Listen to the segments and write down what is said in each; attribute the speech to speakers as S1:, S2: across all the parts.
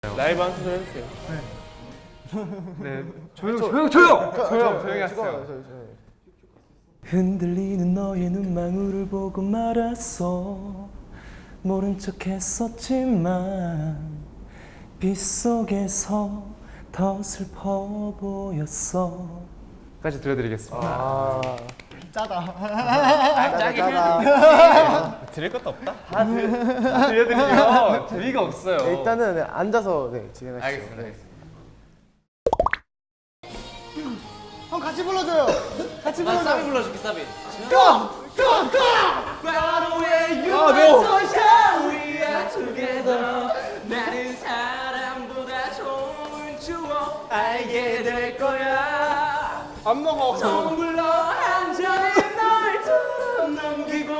S1: 라이브 한 소절 해주세요.
S2: 네. 조용히 하세요.
S3: 흔들리는 너의 눈망울을 보고 말았어. 모른 척 했었지만 빗속에서 더 슬퍼 보였어.
S2: 까지 들려드리겠습니다.
S1: 들을 것도 없다.
S2: 들려드리면 재미가 없어요.
S4: 일단은 네, 앉아서 진행하시죠.
S2: 알겠습니다.
S4: 형 같이 불러줘요. 같이 불러줘.
S1: 사비 불러줄게, 사비. 나는 사람보다 좋은 추억 알게 될 거야.
S4: 안 먹어.
S1: 텀블러 한 잔에 널 넘기고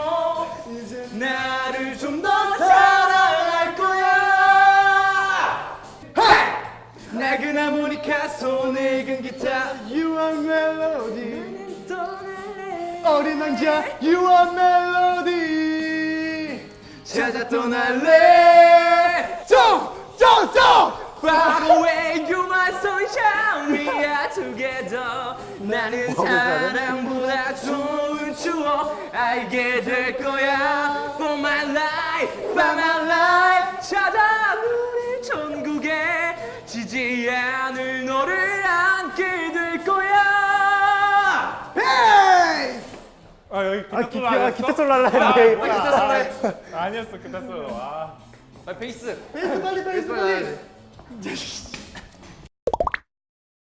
S1: 나를 좀 더 사랑할 거야. 낡은 하모니카 손에 든 기타
S4: You are melody. 어린 왕자 You are melody.
S1: 찾아 떠날래. Far away, you my sunshine, we are together. 나는 사랑보다 좋은 추억 알게 될 거야. For my life, for my life. 찾아 우리 천국에 지지 않을 너를 안게 될 거야.
S4: Hey!
S1: 아 여기
S4: 기타 솔로 하려 했는데.
S1: 기타 솔로 아니었어 기타 솔로. 아
S2: 베이스.
S4: 베이스 빨리.